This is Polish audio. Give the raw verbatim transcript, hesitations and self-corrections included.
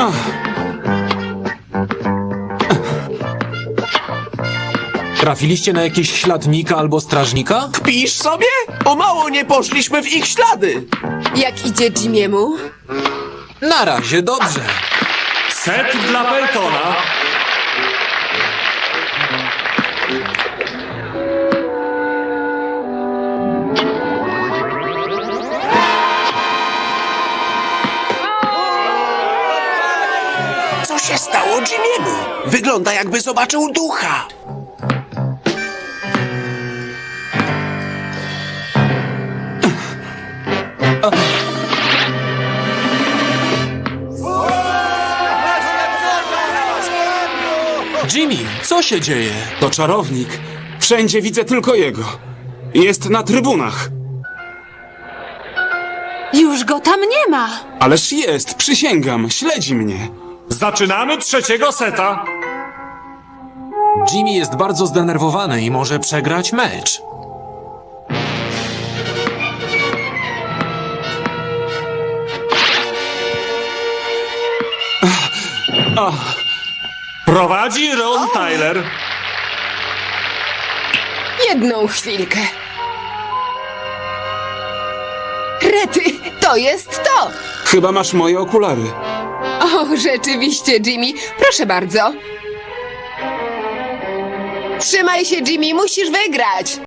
Trafiliście na jakieś śladnika albo strażnika? Kpisz sobie? O mało nie poszliśmy w ich ślady. Jak idzie Jimiemu? Na razie dobrze. Set dla Peltona. Co się stało Jimiemu? Wygląda, jakby zobaczył ducha. Jimmy, co się dzieje? To czarownik. Wszędzie widzę tylko jego. Jest na trybunach. Już go tam nie ma. Ależ jest, przysięgam, śledzi mnie. Zaczynamy trzeciego seta. Jimmy jest bardzo zdenerwowany i może przegrać mecz. Prowadzi Ron Tyler. Jedną chwilkę. Rety, to jest to! Chyba masz moje okulary. O, rzeczywiście, Jimmy. Proszę bardzo. Trzymaj się, Jimmy, musisz wygrać.